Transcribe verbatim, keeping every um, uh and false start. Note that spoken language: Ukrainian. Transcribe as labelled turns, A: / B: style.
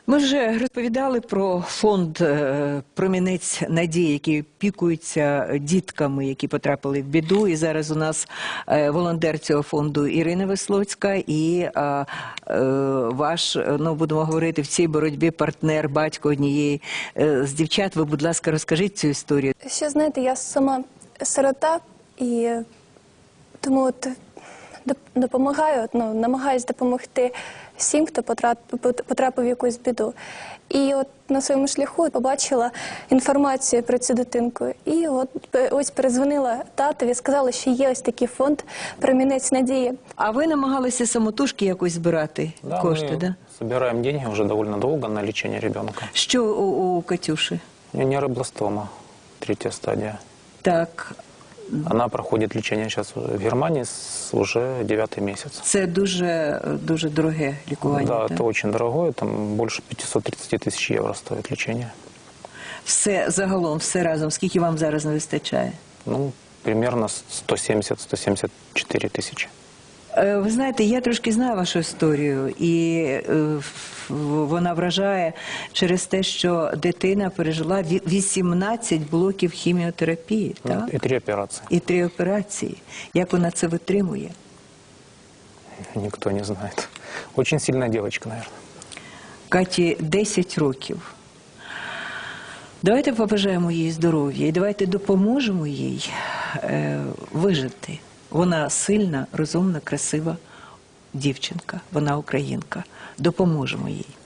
A: Ми вже розповідали про фонд «Промінець надії», який опікується дітками, які потрапили в біду. І зараз у нас волонтер цього фонду Ірина Веслоцька і а, а, ваш, ну, будемо говорити, в цій боротьбі партнер, батько однієї з дівчат. Ви, будь ласка, розкажіть цю історію.
B: Ще, знаєте, я сама сирота, і тому от допомагаю, ну, намагаюсь допомогти всім, хто потрапив в якусь біду. І от на своєму шляху побачила інформацію про цю дитинку. І от ось перезвонила татові, сказала, що є ось такий фонд «Промінець надії».
A: А ви намагалися самотужки якось збирати
C: да,
A: кошти,
C: мы
A: да?
C: собираем деньги уже довольно долго на лечение ребенка.
A: Що у, у Катюши?
C: У нее нейробластома, третья стадия.
A: Так.
C: Она проходит лечение сейчас в Германии с уже девятый месяц.
A: Це дуже, дуже дороге лікування.
C: Да,
A: так?
C: это очень дорогое, там больше пятисот тридцати тысяч евро стоит лечение.
A: Все загалом, все разом, скільки вам зараз не вистачає?
C: Ну, примерно сто семьдесят — сто семьдесят четыре тысячи.
A: Ви знаєте, я трошки знаю вашу історію, і вона вражає через те, що дитина пережила вісімнадцять блоків хіміотерапії, так?
C: И три операции.
A: І три операції. Як вона це витримує?
C: Никто не знает. Очень сильная девочка, наверное.
A: Каті десять років. Давайте побажаємо їй здоров'я і давайте допоможемо їй е, вижити. Вона сильна, розумна, красива дівчинка, вона українка. Допоможемо їй.